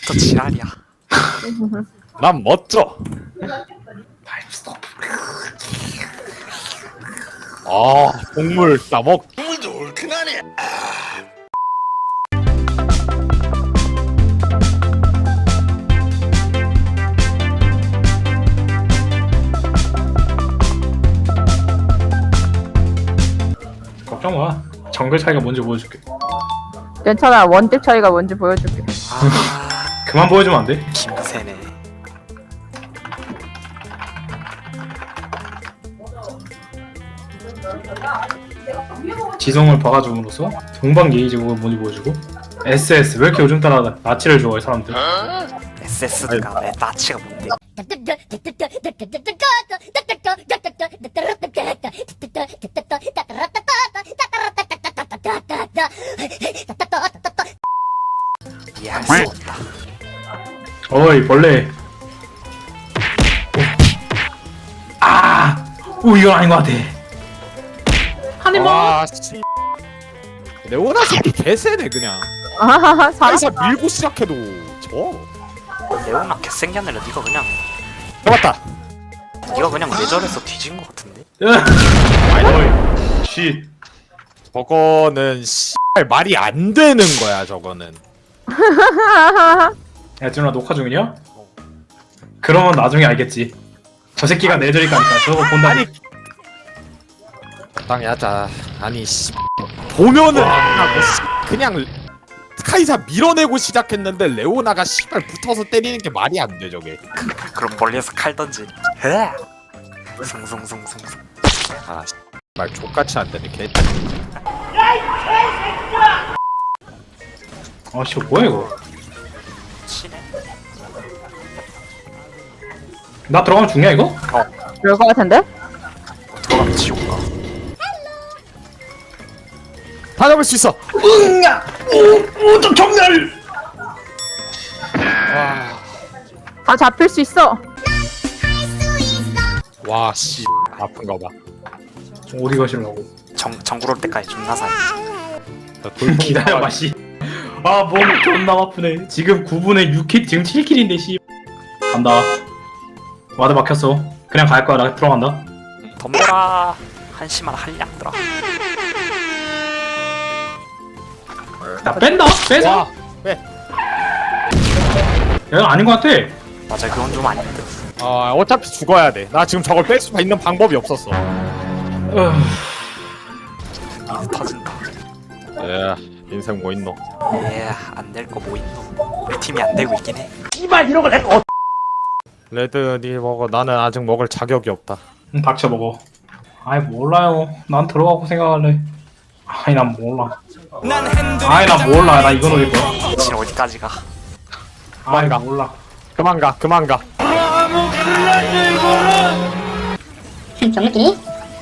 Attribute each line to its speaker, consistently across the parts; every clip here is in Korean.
Speaker 1: 처음부터 지랄이야.
Speaker 2: 난 멋져. 아, 곡물 싸먹.
Speaker 3: 물도 얼큰하네.
Speaker 4: 걱정 마. 정글 차이가 뭔지 보여줄게.
Speaker 5: 괜찮아. 원딜 차이가 뭔지 보여줄게.
Speaker 1: 아,
Speaker 4: 그만 보여주면 안 돼?
Speaker 1: 김새네.
Speaker 4: 지성을 봐가줌으로써 동방 게이지가 뭔지 보여주고. SS 왜 이렇게 요즘 따라 나치를 좋아해 사람들?
Speaker 1: SS가 내 나치가 뭔데? 이해할 수 없다.
Speaker 4: 어이 벌레. 아, 오 이건 아닌 것 같아. 하늘만.
Speaker 2: 와, 씨. 레오나 새끼 개세네 그냥.
Speaker 5: 아하하,
Speaker 2: 사이사 밀고 시작해도 져.
Speaker 1: 레오나 개생기 아니라 니가 그냥
Speaker 2: 잡았다.
Speaker 1: 니가 그냥 뇌절해서 뒤진 것 같은데?
Speaker 4: 어이, 쉿.
Speaker 2: 저거는 씨 말이 안 되는 거야 저거는.
Speaker 4: 야 준아 녹화 중이냐? 그러면 나중에 알겠지. 저 새끼가 내저릴 거니까 저거 본다.
Speaker 2: 아니 적당히 하자. 아니 씨 보면은 안 하고 씨 그냥 카이사 밀어내고 시작했는데 레오나가 씨발 붙어서 때리는 게 말이 안 돼 저게.
Speaker 1: 그럼 멀리에서 칼 던지. 헤. 숭숭숭숭숭.
Speaker 2: 아 말 족같이 안 되네 개.
Speaker 4: 아씨 뭐야 이거?
Speaker 1: 치네.
Speaker 4: 나 들어가면 죽냐 이거?
Speaker 5: 그럴 것 같은데?
Speaker 1: 들어가면 지옥 가.
Speaker 2: 다 잡을 수 있어.
Speaker 4: 응야! 오좀 정렬!
Speaker 5: 다 잡힐 수 있어.
Speaker 2: 와 씨 아픈 거 봐.
Speaker 4: 어디 가시려고?
Speaker 1: 정글 올 때까지 존나 살.
Speaker 4: 기다려봐 씨. 아 몸 존나 아프네. 지금 9분에 6킬 지금 7킬인데 씨. 간다. 와드 막혔어. 그냥 갈 거야. 나 들어간다.
Speaker 1: 덤벼라. 한심한 한량들아.
Speaker 4: 나 뺀다. 빼자.
Speaker 2: 와 왜?
Speaker 4: 야 아닌 것 같아.
Speaker 1: 맞아, 그건 좀 아닌데.
Speaker 2: 어차피 죽어야 돼. 나 지금 저걸 뺄 수 있는 방법이 없었어.
Speaker 1: 미드 터진다.
Speaker 2: 예, 인생 뭐 있노?
Speaker 1: 안 될 거 뭐 있노? 우리 팀이 안 되고 있긴 해.
Speaker 2: 레드 니 먹어. 나는 아직 먹을 자격이 없다.
Speaker 4: 닥쳐 먹어. 아이 몰라요. 난 들어가고 생각할래. 아이 난 몰라. 아이 난 몰라. 나 이거 노릴 거야.
Speaker 1: 진 어디까지 가?
Speaker 4: 아이
Speaker 2: 가.
Speaker 4: 몰라.
Speaker 2: 그만 가, 그만 가.
Speaker 6: 병느끼니?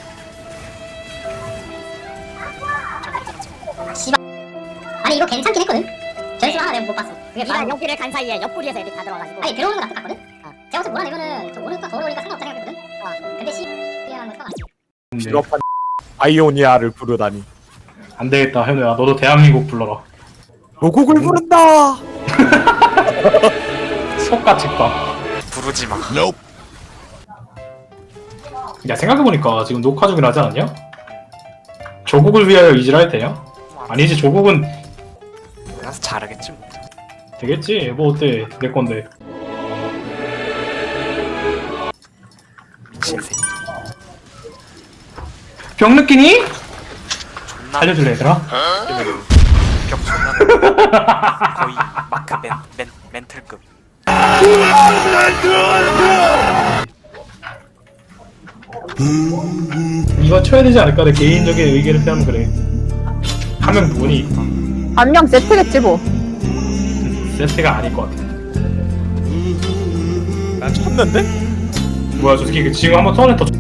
Speaker 6: 씨발. 아니 이거 괜찮긴 했거든? 전술 하나 내가 못 봤어. 그게
Speaker 7: 네가 옆구리를 간 사이에 옆구리에서 애들 다 들어가지고
Speaker 6: 아니 들어오는 건 나 똑같거든? 제가 어차피 몰아내면은 저 오른쪽 더 오르니까 상관없다 생각했거든? 근데 씨발이라는 건 상관없지.
Speaker 2: 비겁한 아이오니아를 부르다니.
Speaker 4: 안 되겠다 현우야. 너도 대한민국 불러라.
Speaker 2: 로곡을 부른다.
Speaker 4: 속과 직방.
Speaker 1: 부르지 마.
Speaker 4: 야 생각해보니까 지금 녹화 중이라 하지 않았냐? 조국을 위하여 이지랄 되냐? 아니지 조국은
Speaker 1: 그래서 잘하겠지 뭐.
Speaker 4: 되겠지. 뭐 어때 내 건데.
Speaker 1: 미친 새끼.
Speaker 4: 병 느끼니?
Speaker 1: 존나
Speaker 4: 알려줄래 얘들아?
Speaker 1: 격 존나 거의 마크 멘틀급.
Speaker 4: 이거 쳐야 되지 않을까? 내 개인적인 의견을 표하면 그래. 한 명 누구니?
Speaker 5: 한 명 세트겠지 뭐.
Speaker 4: 세트가 아닐 것 같아.
Speaker 2: 난 쳤는데?
Speaker 4: 뭐야 저 새끼 지금 한번 턴에 더